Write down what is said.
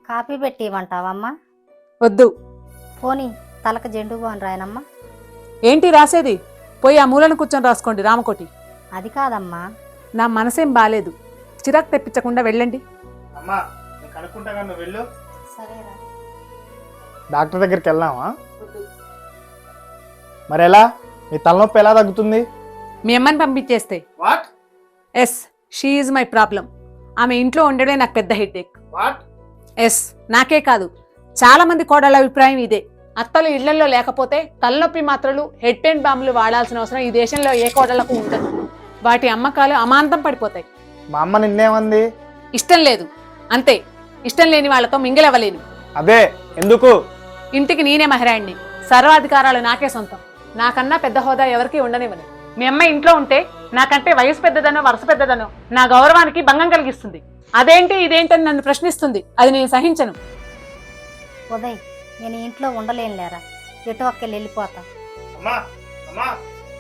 Coffee పెట్టి ఇవ్వంటావమ్మా? వద్దు. పోనీ తలకు జెండు బాన్ రాయనమ్మా. ఏంటి రాసేది? పోయి ఆ మూలను కూర్చొని రాసుకోండి రామకోటి. అది కాదమ్మా. నా మనసేం బాలేదు, చిరాకు తెప్పించకుండా వెళ్ళండి. అమ్మా నేను కనుక్కుంటా, నువ్వు వెళ్ళు. సరేరా. డాక్టర్ దగ్గరికి వెళ్దామా? మరి ఎలా? నీ తలనొప్పి ఎలా తగ్గుతుంది? మీ అమ్మని పంపించేస్తే. What yes, she is my problem. ఆమె ఇంట్లో ఉండడమే నాకు పెద్ద హెడ్ఏక్. వాట్ ఎస్, నాకే కాదు చాలా మంది కోడళ్ళ అభిప్రాయం ఇదే. అత్తలు ఇళ్లలో లేకపోతే తలనొప్పి మాత్రలు, హెడ్ పెయిన్ బాంబులు వాడాల్సిన అవసరం ఈ దేశంలో ఏ కోడళ్లకు ఉండదు. వాటి అమ్మకాలు అమాంతం పడిపోతాయి. మా అమ్మ నిన్నేమంది? ఇష్టం లేదు అంతే. ఇష్టం లేని వాళ్ళతో మింగిలవ్వలేను. అదే ఎందుకు? ఇంటికి నేనే మహిరాణ్ణి, సర్వాధికారాలు నాకే సొంతం. నాకన్నా పెద్ద హోదా ఎవరికి ఉండనివ్వను. మీ అమ్మ ఇంట్లో ఉంటే నాకంటే వయసు పెద్దదనో వరుస పెద్దదనో నా గౌరవానికి భంగం కలిగిస్తుంది. అదేంటి ఇదేంటని నన్ను ప్రశ్నిస్తుంది. అది నేను సహించను. ఉదయ్, నేను ఇంట్లో ఉండలేనులేరా. ఎటు ఒక్కళ్ళు వెళ్ళిపోతా. అమ్మా అమ్మా